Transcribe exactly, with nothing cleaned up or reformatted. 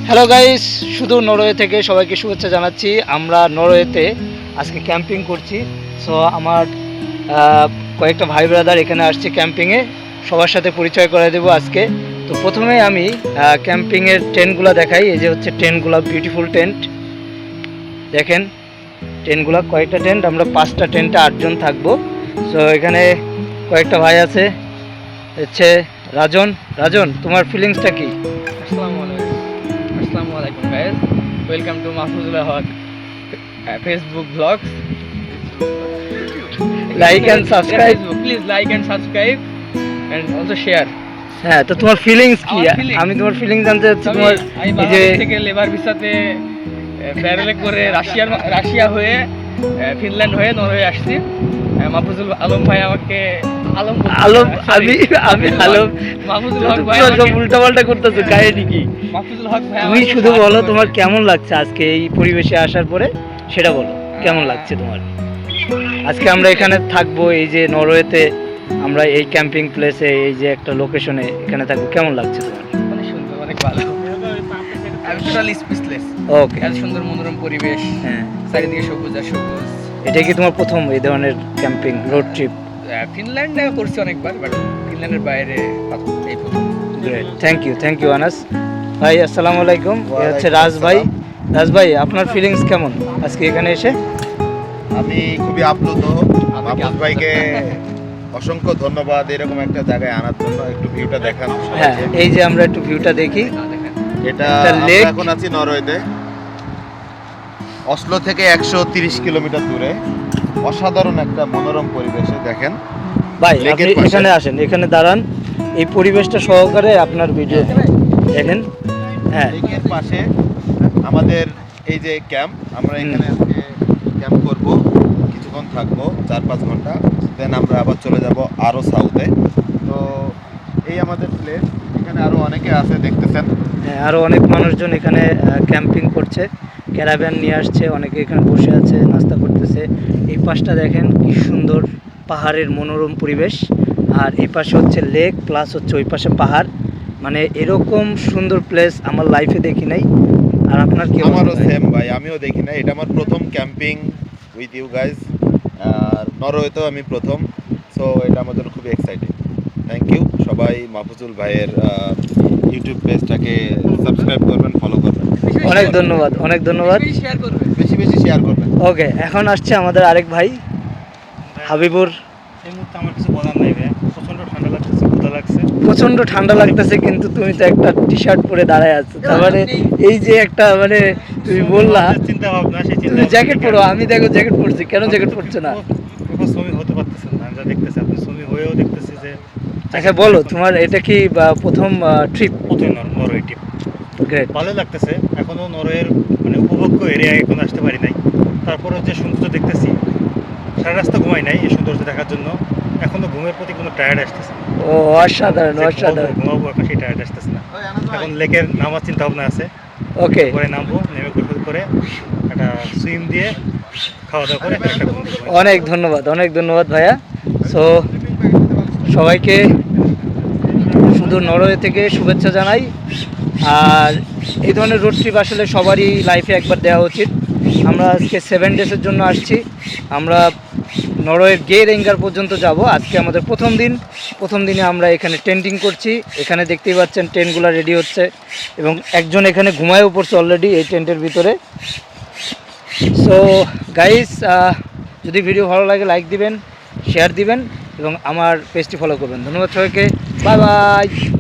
Hello guys, শুধু Norway থেকে সবাইকে শুভেচ্ছা জানাচ্ছি। আমরা নরওয়েতে আজকে ক্যাম্পিং করছি। সো আমার আহ, কয়েকটা ভাই ব্রাদার এখানে আসছে ক্যাম্পিংয়ে, সবার সাথে পরিচয় করে দেবো আজকে। তো প্রথমে আমি ক্যাম্পিংয়ের টেন্টগুলো দেখাই। এই যে হচ্ছে টেন্টগুলো, বিউটিফুল টেন্ট দেখেন। টেন্টগুলো কয়েকটা টেন্ট, আমরা পাঁচটা টেন্টে আটজন থাকবো। সো এখানে কয়েকটা ভাই আছে, হচ্ছে রাজন। রাজন, তোমার ফিলিংসটা কি? আসসালামু আলাইকুম আসসালামু আলাইকুম guys, welcome to Mahfuzul Haque Facebook blogs. Like and subscribe, please like and subscribe and also share. হ্যাঁ, তো তোমার ফিলিংস কি? আমার feelings? আমি তোমার ফিলিংস জানতে চাচ্ছি। আমি তোমার আমি এই যে বাংলাদেশ থেকে লেবার ভিসাতে ব্যারেলে করে রাশিয়ার রাশিয়া হয়ে আহ, ফিনল্যান্ড হয়ে নরওয়ে আসছি। আহ, মাহফুজুল আলম ভাই আমাকে আলম বলতে- আলম, sorry, আমি আমি মাহফুজুল আলম। হক- মাহফুজুল হক ভাই সব আমাকে- উল্টা পাল্টা করতেছো, কাহিনী কি? মাহফুজুল হক ভাই তুমি আমাকে শুধু সাহায্য বলো করে। তোমার কেমন লাগছে আজকে এই পরিবেশে আসার পরে, সেটা বলো কেমন লাগছে তোমার। আজকে আমরা এখানে থাকবো, এই যে নরওয়েতে আমরা এই ক্যাম্পিং প্লেসে, এই যে একটা লোকেশনে এখানে থাকবো, কেমন লাগছে তোমার? অনেক সুন্দর, অনেক ভালো। আমি টোটালি স্পিচলেস। ওকে, এত সুন্দর মনোরম পরিবেশ, হ্যাঁ। চারিদিকে সবুজ আর সবুজ। এটা কি তোমার প্রথম এই ধরনের ক্যাম্পিং রোড ট্রিপ? আহ, ফিনল্যান্ডে করছি অনেকবার, বাট ফিনল্যান্ডের বাইরে প্রথম, এই প্রথম। Great, thank you thank you Anas ভাই। আসসালামু আলাইকুম। এ হচ্ছে ওয়ালাইকুম রাজ ভাই। আসসালাম। রাজ ভাই, আপনার ফিলিংস কেমন আজকে এখানে এসে? আমি খুবই আপ্লুত। মাহফুজ ভাইকে অসংখ্য ধন্যবাদ এরকম একটা জায়গায় আনার জন্য। একটু ভিউটা দেখান। হ্যাঁ, এই যে আমরা একটু ভিউটা দেখি। আহ, দেখেন। এটা একটা আমরা lake। এখন আছি নরওয়েতে, অসলো থেকে একশো তিরিশ কিলোমিটার দূরে। অসাধারণ একটা মনোরম পরিবেশে দেখেন। ভাই লেকের আপনি পাশে। এখানে আসেন, এখানে দাঁড়ান, এই পরিবেশটা সহকারে আপনার ভিডিও দেখেন। হ্যাঁ, লেকের পাশে আমাদের এই যে ক্যাম্প, আমরা হুম। এখানে আজকে ক্যাম্প করব, কিছুক্ষণ থাকবো, চার পাঁচ ঘন্টা। দেন আমরা আবার চলে যাব আরও সাউথে। তো এই আমাদের প্লেস, এখানে আরও অনেকে আছে দেখতেছেন। হ্যাঁ, আরও অনেক মানুষজন এখানে ক্যাম্পিং করছে, ক্যারাভ্যান নিয়ে আসছে, অনেকে এখানে বসে আছে, নাস্তা করতেছে। এই পাশটা দেখেন কি সুন্দর, পাহাড়ের মনোরম পরিবেশ। আর এই পাশে হচ্ছে লেক, প্লাস হচ্ছে ওই পাশে পাহাড়। মানে এরকম সুন্দর প্লেস আমার লাইফে দেখি নাই। আর আপনার কি অবস্থা আমারও ভাই? সেম ভাই, আমিও দেখি না। এটা আমার প্রথম ক্যাম্পিং উইথ ইউ গাইজ। আর নরওয়েতেও আমি প্রথম। সো এটা আমার জন্য খুবই এক্সাইটিং। থ্যাংক ইউ সবাই। মাহফুজুল ভাইয়ের ইউটিউব পেজটাকে সাবস্ক্রাইব করবেন, ফলো করবেন। অনেক ধন্যবাদ, অনেক ধন্যবাদ। বেশি শেয়ার করবে। বেশি বেশি শেয়ার করবেন। ওকে, এখন আসছে আমাদের আরেক ভাই হাবিবুর। এই মুহূর্তে আমার কিছু বলার নাই ভাই, প্রচন্ড ঠান্ডা লাগতেছে, ক্ষুধা লাগছে। প্রচন্ড ঠান্ডা লাগতেছে, কিন্তু তুমি তো একটা টি শার্ট পরে দাঁড়ায় আছো। তার মানে এই যে একটা, মানে তুমি বললা চিন্তা ভাবনা, সেই চিন্তা তুমি জ্যাকেট পরো, আমি দেখো জ্যাকেট পরছি, কেন জ্যাকেট পরছে না? এখন শ্রমিক হতে পারতেছেন না, আমরা দেখতেছি আপনি শ্রমিক হয়েও দেখতেছি যে আচ্ছা বলো, তোমার এটা কি বা, প্রথম ট্রিপ? প্রথম নরওয়ে ট্রিপ গ্রেট। ভালো লাগতেছে। এখনো নরওয়ের মানে উপভোগ্য এরিয়ায় এখন আসতে পারি নাই, তারপরে যে সৌন্দর্য দেখতেছি, সারা রাস্তা ঘুমাই নাই এই সৌন্দর্য দেখার জন্য। এখনো ঘুমের প্রতি কোনো টায়ার্ড আসতেছে না। ও অসাধারণ, যে ঘুমাবো, অসাধারণ। ঘুমাবো, এখন সেই টায়ার্ড আসতেছে না। এখন লেকের নামার চিন্তা ভাবনা আছে, ওকে, পরে নামবো, নেমে গোসল করে একটা সুইম দিয়ে খাওয়া দাওয়া করে একটা ঘুম দিব। অনেক ধন্যবাদ, অনেক ধন্যবাদ ভাইয়া। সো সবাইকে শুধু নরওয়ে থেকে শুভেচ্ছা জানাই। আর এই ধরনের রোড ট্রিপ আসলে সবারই লাইফে একবার দেওয়া উচিত। আমরা আজকে সেভেন ডেজের জন্য আসছি। আমরা নরওয়ের গেরেঙ্গার পর্যন্ত যাব। আজকে আমাদের প্রথম দিন। প্রথম দিনে আমরা এখানে টেন্টিং করছি। এখানে দেখতেই পাচ্ছেন টেন্টগুলো রেডি হচ্ছে, এবং একজন এখানে ঘুমায়ও পড়ছে অলরেডি এই টেন্টের ভিতরে। সো গাইস, যদি ভিডিও ভালো লাগে লাইক দিবেন, শেয়ার দিবেন, এবং আমার পেজটি ফলো করবেন। ধন্যবাদ সবাইকে, বাই বাই।